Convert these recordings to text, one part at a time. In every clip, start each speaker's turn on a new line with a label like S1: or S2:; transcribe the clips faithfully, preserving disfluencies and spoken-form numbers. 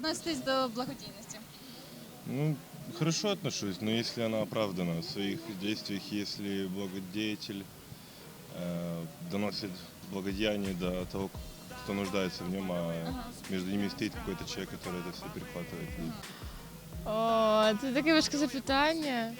S1: відноситесь до благодійності?
S2: Ну, хорошо отношусь, но если она оправдана в своих действиях, если благодетель э, доносит благодеяние до того, кто нуждается в нем, а между ними стоит какой-то человек, который это все перехватывает. И
S3: О, це таке важке запитання.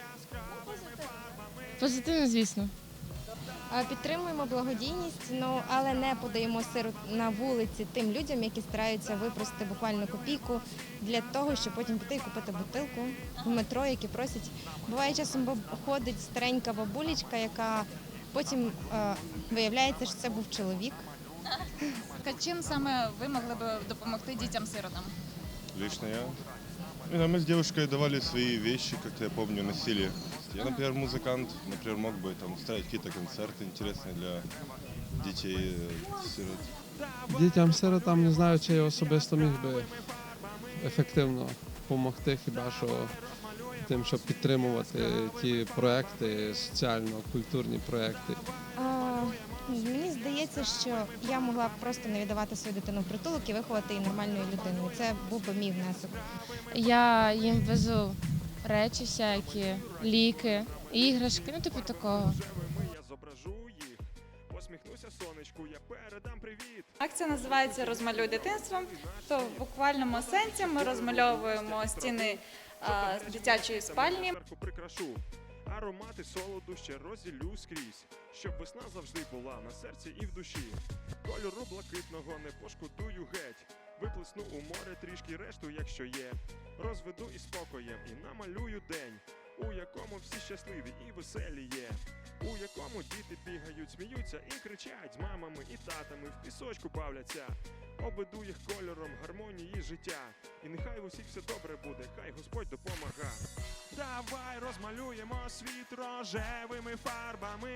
S3: Позитивно, звісно.
S4: А, Підтримуємо благодійність, ну але не подаємо сиру на вулиці тим людям, які стараються випросити буквально копійку для того, щоб потім піти і купити бутилку в метро, які просять. Буває часом баб- ходить старенька бабулечка, яка потім е, виявляється, що це був чоловік.
S1: Так, а чим саме ви могли б допомогти дітям-сиротам?
S2: лично я. Ну, да, мы с девушкой давали свои вещи, как-то я помню, носили. Я, например, музыкант, например, мог бы там устраивать какие-то концерты интересные для детей, э, сирот.
S5: Дітям-сиротам не знаю, чи я особисто міг би ефективно допомогти, хіба що тим, щоб підтримувати ті проекти, соціально-культурні проекти.
S4: А, Мені здається, що я могла б просто не віддавати свою дитину в притулок і виховати її нормальною людиною. Це був би мій внесок.
S3: Я їм везу речі всякі, ліки, іграшки, ну типу такого.
S6: Я зображу їх, посміхнуся сонечку, я передам привіт.
S7: Акція називається «Розмалюй дитинство». То в буквальному сенсі ми розмальовуємо стіни а, з дитячої спальні.
S6: Зверху прикрашу, аромати солоду ще розділю скрізь, щоб весна завжди була на серці і в душі. Кольору блакитного не пошкодую геть, виплесну у море трішки решту, якщо є. Розведу із спокоєм і намалюю день, у якому всі щасливі і веселі є, у якому діти бігають, сміються і кричать з мамами і татами, в пісочку бавляться. Обведу їх кольором гармонії життя, і нехай в усіх все добре буде, хай Господь допомага. Давай розмалюємо світ рожевими фарбами.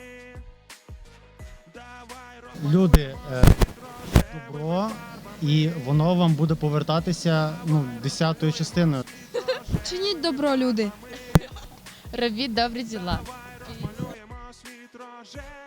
S6: Давай розмалюємо
S8: Люди, е,
S6: світ рожевими
S8: добро, і воно вам буде повертатися ну, десятою частиною.
S3: Чиніть добро, люди. Робіть добрі діла.
S6: розмалюємо світ рожевими.